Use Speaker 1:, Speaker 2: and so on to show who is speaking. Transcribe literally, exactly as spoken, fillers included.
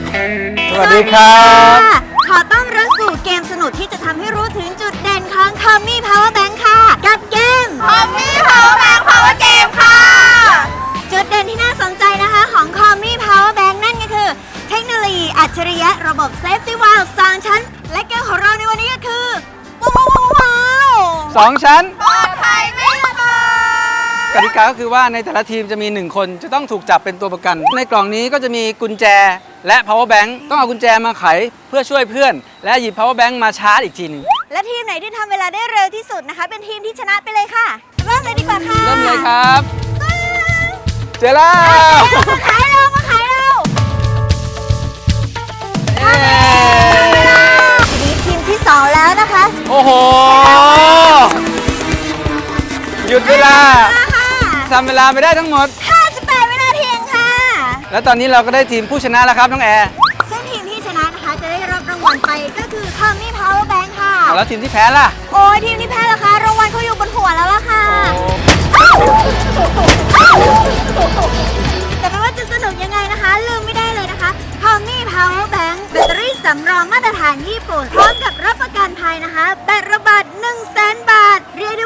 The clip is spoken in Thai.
Speaker 1: สวัสดีครับ
Speaker 2: ขอต้อนรับสู่เกมสนุกที่จะทำให้รู้ถึงจุดเด่นของ Tommy Power Bank ค่ะ กับเกม Tommy Power Bank Power Game ค่ะ จุดเด่นที่น่าสนใจนะคะของ Tommy Power Bank นั่นก็คือ เทคโนโลยีอัจฉริยะระบบ Safety Valve สองชั้น และเกมของเราในวันนี้ก็คือว้าวว้าว
Speaker 1: สองชั้น
Speaker 2: ปลอดภัยไม่ระเบิด
Speaker 1: กติกาก็คือว่าในแต่ละทีมจะมีหนึ่งคนจะต้องถูกจับเป็นตัวประกัน ในกล่องนี้ก็จะมีกุญแจและ power bank ต้องเอากุญแจมาไขเพื่อช่วยเพื่อน และหยิบ power bank มาชาร์จอีกทีหนึง
Speaker 2: และทีมไหนที่ทำเวลาได้เร็วที่สุดนะคะ เป็นทีมที่ชนะไปเลยค่ะ เริ่มเลยดีกว่าค่ะ
Speaker 1: เริ่มเลยครับ เจอแล้ว
Speaker 2: มาขายเรามาขายเรา
Speaker 1: เย้
Speaker 2: ทีนี้ทีมที่สองแล้วนะคะ
Speaker 1: โอ้โห หยุดเวลา
Speaker 2: ค่ะ
Speaker 1: ทำเวลาไปได้ทั้งหมด
Speaker 2: ห้าสิบแปดวินาทีเองค่ะ
Speaker 1: และตอนนี้เราก็ได้ทีมผู้ชนะแล้วครับน้องแอร์
Speaker 2: ซึ่งทีมที่ชนะนะคะจะได้รับรางวัลไปก็คือ Tommy Power Bank ค่ะ
Speaker 1: แล้วทีมที่แพ้ล่ะ
Speaker 2: โอ้ยทีมที่แพ้ล่ะคะรางวัลเขาอยู่บนหัวแล้วล่ะค่ะ แต่ไม่ว่าจะสนุกยังไงนะคะ ลืมไม่ได้เลยนะคะ Tommy Power Bank แบตเตอรี่สำรองมาตรฐานญี่ปุ่นพร้อมกับรับประกันภัยนะคะ แบตระบาด หนึ่งแสน บาท เรียก